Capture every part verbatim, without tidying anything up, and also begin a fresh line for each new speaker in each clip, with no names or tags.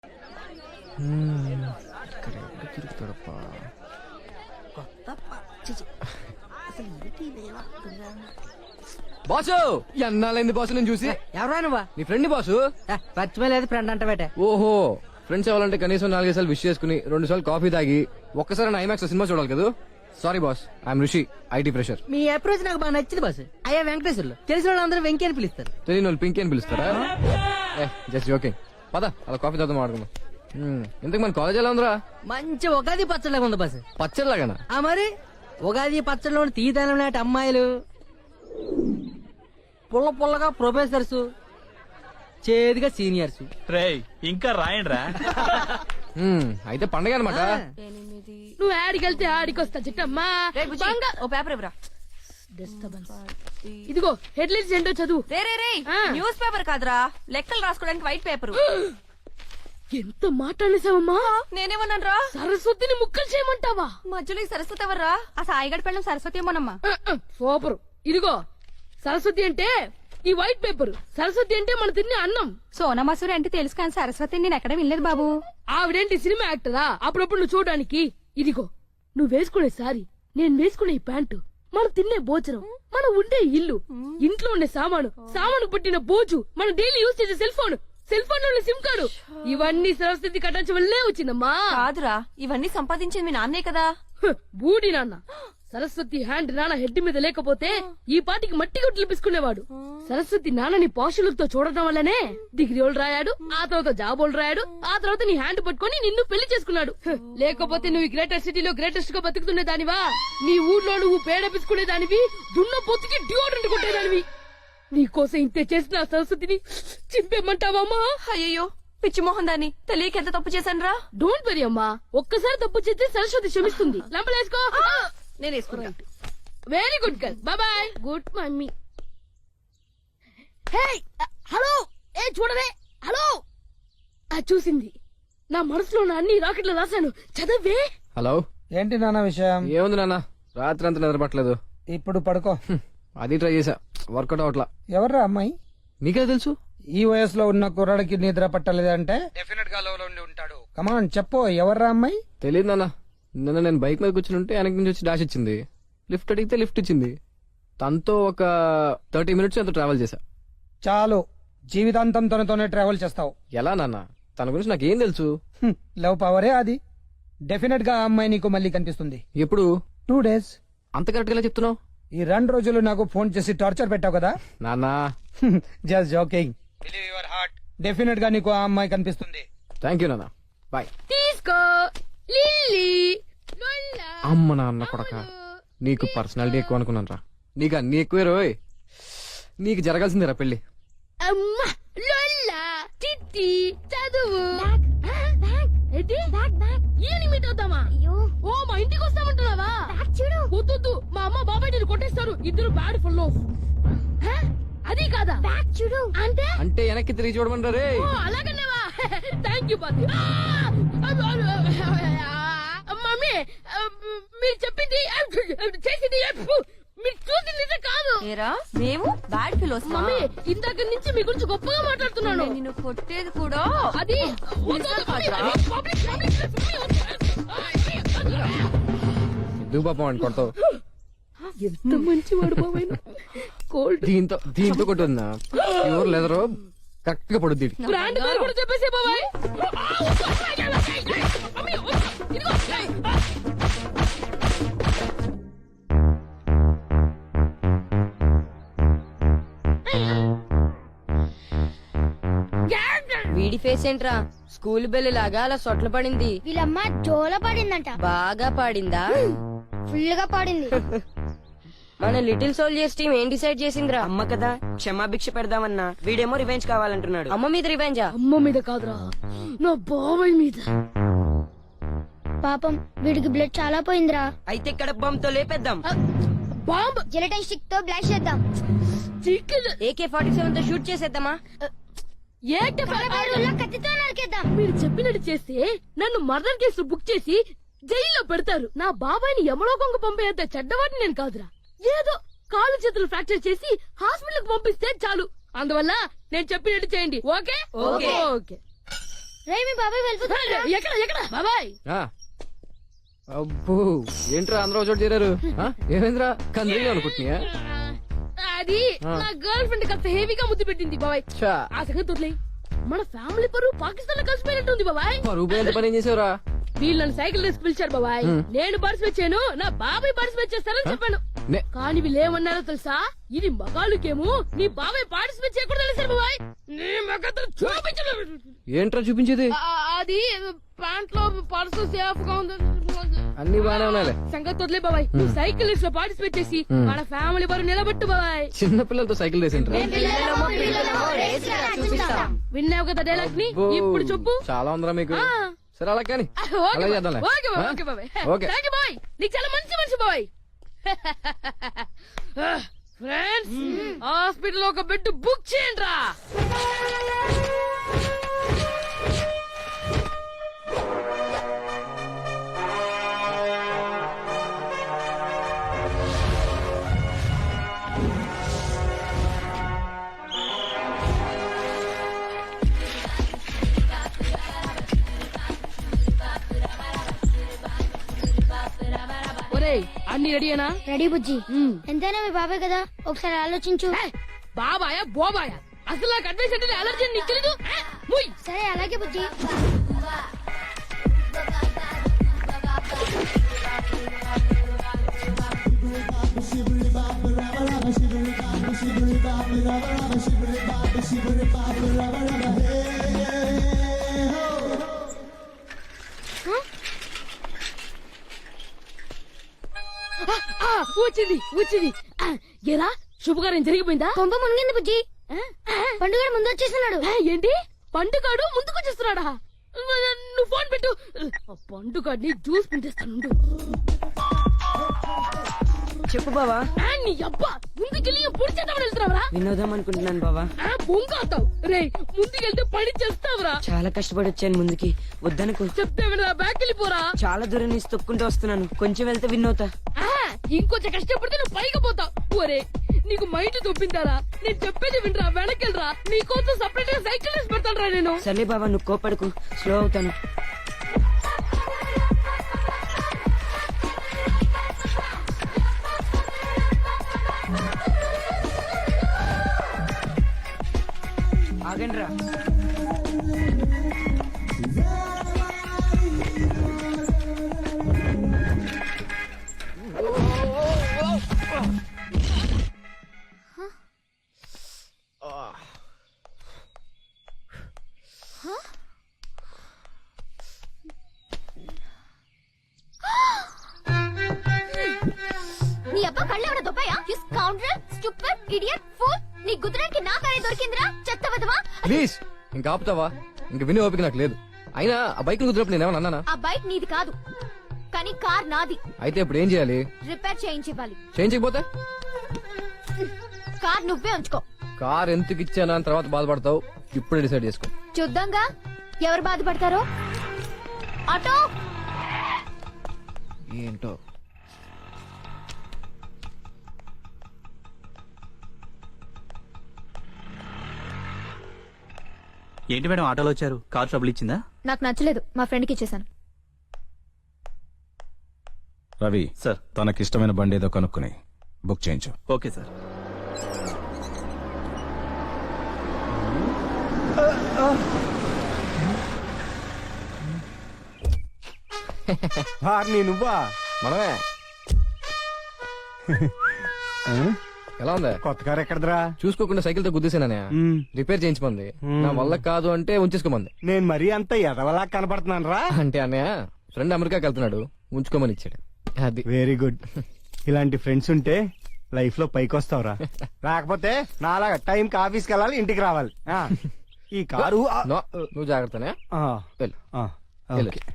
తిరుగుతాడప్పా boss ఎన్నాళ్ళైంది boss నేను చూసి.
ఎవరా నువ్వా?
నీ ఫ్రెండ్ బాసు.
పచ్చిమలేదు ఫ్రెండ్ అంట బేట.
ఓహో ఫ్రెండ్స్ అవ్వాలంటే కనీసం నాలుగైదు సార్లు విష్ చేసుకుని రెండు సార్లు కాఫీ తాగి ఒక్కసారి ఐమాక్స్ సినిమా చూడాలి కదా. Sorry boss, I'm Rishi, IT pressure.
మీ అప్రోచ్ నాకు బాగా నచ్చింది బాస్. అయ్యా వెంకటేశ్వర్లు తెలిసిన వాళ్ళందరూ వెంకీ అని పిలుస్తారు.
తెలియని వాళ్ళు పింకీ అని పిలుస్తారా? Just joking. పద అలా కాఫీ తాగుతాం మాట్లాడుకుందాం. ఇంతకు మన కాలేజ్ ఎలా ఉందిరా?
మంచి ఉగాది పచ్చడిలాగా ఉంది బాస్.
పచ్చడిలాగానా?
ఆ మరి ఉగాది పచ్చడిలో తీతనం నాటి అమ్మాయిలు, పుల్ల పుల్లగా ప్రొఫెసర్స్, చేదుగా సీనియర్స్.
రేయ్ ఇంకా రాయండిరా.
అయితే పండగ అనమాట.
నువ్వు ఆడికెళ్తే ఆడికొస్తా చిట్టమ్మా.
ఓ పేపర్ ఇవ్వరా.
డిస్టర్బెన్స్. ఇదిగో హెడ్లైన్స్ ఏంటో చదువు.
రే రే రే న్యూస్ పేపర్ కాదురా, లెక్కలు రాసుకోవడానికి వైట్ పేపర్.
ఎంత మాట్లాడేసావమ్మా?
నేనేమన్నాను రా?
సరస్వతిని ముక్కలు చేయమంటావా?
మధ్యలో ఈ సరస్వతి ఎవర్రా? ఆ సాయిగడ్ పెళ్ళం సరస్వతి ఏమోనమ్మా.
సూపర్. ఇదిగో సరస్వతి అంటే ఈ వైట్ పేపర్, సరస్వతి అంటే మన తినే అన్నం.
సోనా మసూరి అంటే తెలుసు కానీ సరస్వతి నేను ఎక్కడ వినలేదు బాబు.
ఆవిడేంటి సినిమా యాక్టరా? అప్పుడప్పుడు నువ్వు చూడడానికి. ఇదిగో నువ్వు వేసుకునే సారీ, నేను వేసుకునే ప్యాంటు, మనం తినే భోజనం, మనం ఉండే ఇల్లు, ఇంట్లో ఉండే సామాను, సామాను పట్టిన బోజు, మనం డైలీ యూజ్ చేసే సెల్ ఫోన్, సెల్ ఫోన్ లో సిమ్ కార్డు, ఇవన్నీ సరస్వతి కట్టించ వల్లే వచ్చిందమ్మా.
కాదురా, ఇవన్నీ సంపాదించింది మీ నాన్నే కదా.
బూడి నాన్న. సరస్వతి హ్యాండ్ నాన్న హెడ్ మీద లేకపోతే ఈ పాటికి మట్టి గుడ్లు పిసుకునేవాడు. సరస్వతి నాన్నని పాషులతో చూడటం వల్లనే డిగ్రీలు రాయాడు, ఆ తర్వాత జాబోలు రాయాడు, ఆ తర్వాత నీ హ్యాండ్ పట్టుకుని నిన్ను పెళ్లి చేసుకున్నాడు. లేకపోతే నువ్వు గ్రేటర్ సిటీలో గ్రేటెస్ట్ గా బతుకుతున్న దానివా? నీ ఊర్లో నువ్వు పేడ పిసుకునే దానివి, దున్న పొత్తుకి డియోడ్రెంట్ కొట్టేదానివి. నీకోసం ఇంతే చేసిన సరస్వతిని చింపేమంటావమ్మా?
అయ్యో పిచ్చి మోహన్ దాన్ని తెలియక ఎంత తప్పు చేశాను రా.
డోంట్ వరీ అమ్మా, ఒక్కసారి తప్పు చేస్తే సరస్వతి క్షమిస్తుంది. లంపలేసుకో.
నేను వేసుకున్నా.
Very good girl. Bye. Good mummy. Hey hello, ఏ చూడవే. హలో. ఆ చూసింది. నా మనసులో ఉన్న అన్ని రాకెట్లు రాశాను, చదవే.
హలో.
ఏంటి నాన్న విషయం?
ఏముంది నాన్న, రాత్రి అంతా నిద్రపట్టలేదు.
ఇప్పుడు పడుకో.
అది ట్రై చేసా, వర్కౌట్ అవట్లా.
ఎవర్రా అమ్మాయి?
నీకే తెలుసు.
ఈ వయసులో ఉన్న కుర్రాడికి నిద్ర పట్టలేదంటే డెఫినెట్ గా లో ఉండి ఉంటాడు. కమాన్ చెప్పు, ఎవర్రా అమ్మాయి?
తెలియదు నాన్న. నిన్న నేను బైక్ మీద కూర్చుని ఉంటే వెనక నుంచి వచ్చి డాష్ ఇచ్చింది. లిఫ్ట్ అడిగితే లిఫ్ట్ ఇచ్చింది. తనతో ఒక థర్టీ మినిట్స్ ఎంతో ట్రావెల్ చేశా.
చాలు, జీవితాంతం తనతోనే ట్రావెల్ చేస్తావు.
ఎలా నాన్న, తన గురించి నాకేం తెలుసు?
హ్మ్, లవ్ పవరే అది. డెఫినెట్ గా ఆ అమ్మాయి నీకు మళ్ళీ కనిపిస్తుంది.
ఎప్పుడు?
Two days.
అంత కరెక్ట్ గా చెప్తున్నావు?
ఈ రెండు రోజులు నాకు ఫోన్ చేసి టార్చర్ పెట్టావు కదా.
నాన్న
just joking. Believe your heart. Definite గా నీకు ఆ అమ్మాయి కనిపిస్తుంది.
థ్యాంక్ యూ నాన్న, బాయ్.
తీసుకో లిల్లీ. లొల్లా.
అమ్మ నాన్న కొడక, నీకు పర్సనాలిటీ ఎక్కువ అనుకున్నాను రా. నీకు అన్ని ఎక్కువే రోయ్. నీకు జరగాల్సిందేరా పెళ్లి.
అమ్మా లొల్లా చిట్టి చదువు. మీట్ అవుతామా? ఓ మా ఇంటికి వస్తామంటున్నావా? వద్దు, మా అమ్మ బాబాయ్ నేను కొట్టేస్తారు. ఇద్దరు బ్యాడ్ ఫుల్ ఆఫ్. అది కాదా చూడు అంటే
అంటే వెనక్కి తిరిగి చూడమంటారా రే?
అలాగనేవా? థ్యాంక్ యూ బాబు. మమ్మీ మీరు చెప్పింది చేసింది మీరు చూసింది నిజం కాదు.
ఏరా మేము బ్యాడ్ ఫిలోస్.
మమ్మీ ఇందాక నుంచి మీ గురించి గొప్పగా మాట్లాడుతున్నాను.
నిన్ను కొట్టేది కూడా
అది
ఎందుకు పాపం అని కొడతావు?
ఎంత మంచి వాడు బాబాయ్. కోల్డ్
దీంతో దీంతో కొట్టుందా? ఎవరు లేదరో కరెక్ట్ గా పడుద్ది.
బ్రాండ్ పేరు కూడా చెప్పేసే బాబాయ్.
వీడి ఫేస్ ఏంట్రా స్కూల్ బెల్ లాగా అలా సొట్ల పడింది.
వీళ్ళమ్మ జోల పడిందంట.
బాగా పాడిందా?
ఫుల్ గా పాడింది.
మన లిటిల్ సోల్జర్స్ టీం ఏం డిసైడ్ చేసిందిరా?
అమ్మ కదా క్షమాభిక్ష పెడదామన్నా, వీడేమో రివెంజ్ కావాలంటున్నాడు.
అమ్మ మీద రివెంజా?
అమ్మ మీద కాదురా, నా బాబాయ్ మీద.
పాపం వీడికి బ్లడ్ చాలా పోయిందిరా.
అయితే ఇక్కడ బాంబ్ తో లేపేద్దాం.
బాంబ్
జెలటైన్ స్టిక్ తో బ్లాస్ట్ చేద్దాం.
ఏకే ఫార్టీ సెవెన్ తో షూట్ చేసేద్దామా?
కత్తితో నరికేద్దాం.
మీరు చెప్పినట్టు చేస్తే నన్ను మర్డర్ కేసు బుక్ చేసి జైల్లో పెడతారు. నా బాబాయ్ని యమలోకంకు పంపేంత చెడ్డవాడిని నేను కాదురా. ఏదో కాలు చేతులు ఫ్రాక్చర్ చేసి హాస్పిటల్ కి పంపిస్తే చాలు. అందువల్ల నేను చెప్పినట్టు చేయండి. Okay okay okay.
రే మీ బాబాయ్ వెళ్ళిపోతున్నా
ఎక్కడ ఎక్కడ బాబాయ్
ఆ. అబ్బో ఏంట్రా అందరూ ఒక చోట చేరారు ఆ? ఏమైందిరా కందిలో అనుకుంటున్నా
అది నా గర్ల్ ఫ్రెండ్ కాస్త హెవీగా ముద్దు పెట్టింది బాబాయ్ ఆ సంగతి వదిలేయ్. మన ఫ్యామిలీ పరువు పాకిస్తాన్ లో కలిసిపోయినట్టుంది బాబాయ్.
రూపాయి ఎంత పని ఏం చేసావురా
వీళ్ళు నన్ను సైకిల్ రేసి పిలిచారు బాబాయ్. నేను పార్టిసిపేట్ చేయను, నా బాబాయ్ పార్టిసిపేట్ చేస్తారని చెప్పాను.
నే-
కానీ వీళ్ళు ఏమన్నారో తెలుసా? ఇది మగాళ్ళకేమో నీ బాబాయ్ పార్టిసిపేట్ చేయకూడదు అనేసారు బాబాయ్. నీ మగతను చూపించను.
ఏంట్రా చూపించేది
ఆ, అది ప్యాంట్ లో పర్సు సేఫ్ గా ఉంది.
అన్ని బాగానే ఉన్నాయిలే
సంగతి వదిలే బాబాయ్. నువ్వు సైకిల్ రేస్ లో పార్టిసిపేట్ చేసి మన ఫ్యామిలీ పరువు నిలబెట్టు బాబాయ్.
చిన్న పిల్లలతో సైకిల్ రేసింట్రా
విన్నావు కదా డైలాగ్ ని, ఇప్పుడు చెప్పు.
చాలా ఉందిరా మీకు
ఆ.
సరే అలా కానీ
ఓకే
అలా
బాయ్.
చేద్దాంలే
ఓకే బాయ్,
ఆ?
Okay bye.
Okay.
Thank you bye. నీకు చాలా మంచి మనిషి బాయ్. ఫ్రెండ్స్ హాస్పిటల్ ఒక బెడ్ బుక్ చేయండి రా. ఒరేయ్ అన్ని రెడీయేనా?
రెడీ బుజ్జి
మ్మ్.
ఎంతైనా మీ బాబాయ్ కదా ఒకసారి ఆలోచించు
ఏ, బాబాయా బోబాయా అసలు నాకు అడ్వైస్ అంటే అలర్జీ అని నీకు తెలీదు? ఏ, ముయ్.
సరే అలాగే బుజ్జి
ఆ, వచ్చింది వచ్చింది. ఆ, ఏరా శుభకార్యం జరిగిపోయిందా?
కొంప మునిగింది బుజ్జి
ఆ,
పండుగ ముందు వచ్చేస్తున్నాడు
ఆ, ఏంటి పండుగాడు ముందుకు వచ్చేస్తున్నాడా? నువ్వు ఫోన్ పెట్టు. ఆ పండుగాడిని జ్యూస్ పిండిస్తాను.
చెప్పు బావా.
నీ అబ్బా ముందుకెళ్ళి పొడి చేద్దామని వెళ్తున్నావురా?
వినోదం అనుకుంటున్నాను బావా.
బొంగాతావు రే, ముందుకెళ్తే పని చేస్తావురా?
చాలా కష్టపడి వచ్చాను ముందుకి, వద్దనుకో.
చెప్తే వినరా, బ్యాక్ వెళ్ళిపోరా.
చాలా దూరం నుంచి తొక్కుంటూ వస్తున్నాను, కొంచెం వెళ్తే విన్నోతా.
ఆ, ఇంకొంచెం కష్టపడితే నువ్వు పైకి పోతావు. ఒరే నీకు మైండ్ తొప్పిందారా? నేను చెప్పేది వినరా, వెనకెళ్ళరా. నీకోసం సపరేట్ గా సైకిల్ వేసి పెడతాను రా నేను.
సర్లే బావా, నువ్వు కోపడకు, స్లో అవుతాను. ఆగండి రా.
నీ అబ్బా కళ్ళు ఎవడ దొబ్బయా స్కౌండ్రల్ స్టూపిడ్ ఇడియట్ ఫూల్ నీ గుద్రకి నా కారే దొరికిందిరా చెత్త వదవా
ప్లీజ్ ఇంకా ఆపుతావా? ఇంక వినే ఓపిక నాకు లేదు. అయినా ఆ బైక్ కుదిరినప్పుడు నేనేమన్నా అన్నానా?
ఆ బైక్ నీది కాదు కానీ కార్ నాది
అయితే ఇప్పుడు ఏం చేయాలి?
రిపేర్ చేయించివ్వాలి
చేయించకపోతే
కార్ నువ్వే ఉంచుకో
కార్ ఎందుకు ఇచ్చానా అని తర్వాత బాధపడతావు. ఇప్పుడే డిసైడ్ చేసుకో.
చూద్దాంగా ఎవరు బాధపడతారో. ఆటో
ఏంటో
ఏంటి మేడం ఆటోలో వచ్చారు? కార్ ట్రబుల్ ఇచ్చిందా?
నాకు నచ్చలేదు, మా ఫ్రెండ్ కి ఇచ్చేసాను.
రవి
సార్.
తనకిష్టమైన బండి ఏదో కనుక్కుని బుక్ చేయించు.
Okay sir.
నువ్వా?
మనమే. ఎలా ఉందా?
కొత్త కారు ఎక్కడదరా?
చూసుకోకుండా సైకిల్ తో గుద్దేసానే. రిపేర్ చేయించమంది. నా వల్ల కాదు అంటే ఉంచేసుకోమంది.
నేను మరీ అంత ఎదవలా కనపడుతున్నాను రా.
అంటే అన్నయ్య ఫ్రెండ్ అమెరికాకి వెళ్తున్నాడు, ఉంచుకోమని ఇచ్చాడు. అది
వెరీ గుడ్. ఇలాంటి ఫ్రెండ్స్ ఉంటే లైఫ్ లో పైకి వస్తావురా. లేకపోతే నాలాగా టైం కి ఆఫీస్కి వెళ్ళాలి, ఇంటికి రావాలి. ఆ, ఈ కారు ఆ,
నో, నువ్వు జాగ్రత్తనే.
ఆ,
వెళ్ళు.
ఆ,
వెళ్ళు.
ఓకే.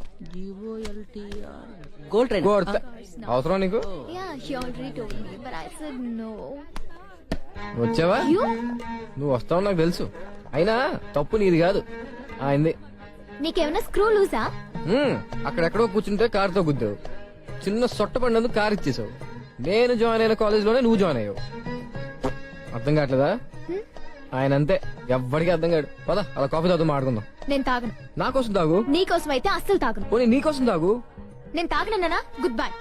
Gold train.
కొడతా. అవసరం నీకు?
Yeah, he already told me, but I said no.
వచ్చావా?
You?
నువ్వు వస్తావు నాకు తెలుసు. అయినా తప్పు నీది కాదు, ఆయనది.
నీకేమైనా స్క్రూ లూజా?
హ్మ్, అక్కడెక్కడో కూర్చుంటే కారుతో గుద్దావు. చిన్న సొట్ట పడినందుకు కారు ఇచ్చేసావు. నేను జాయిన్ అయిన కాలేజ్ లోనే నువ్వు జాయిన్ అయ్యావు. అర్థం కావట్లేదా? ఆయన అంతే ఎవ్వడికి అర్థం కాడు. పద అలా కాఫీ తాగుతూ మాట్లాడుకుందాం.
నేను తాగను.
నా కోసం తాగు.
నీ కోసం అయితే అస్సలు తాగను.
పోనీ నీ కోసం తాగు.
నేను తాగనన్నా గుడ్ బై.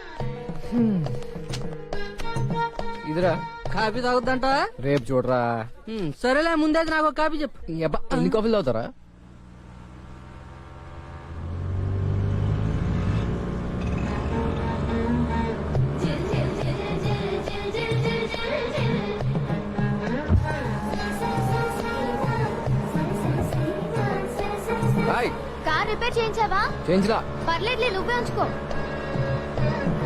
ఇదిరా
కాఫీ తాగుద్దంట.
రేపు చూడరా.
సరేలే ముందే నాకు ఒక కాఫీ చెప్పు.
ఈ అబ్బా అన్ని కాఫీలు తాగుతారా? హాయ్
కార్ రిపేర్ చేయించావా?
చేయించరా.
పర్లేదులే, నువ్వే ఉంచుకో.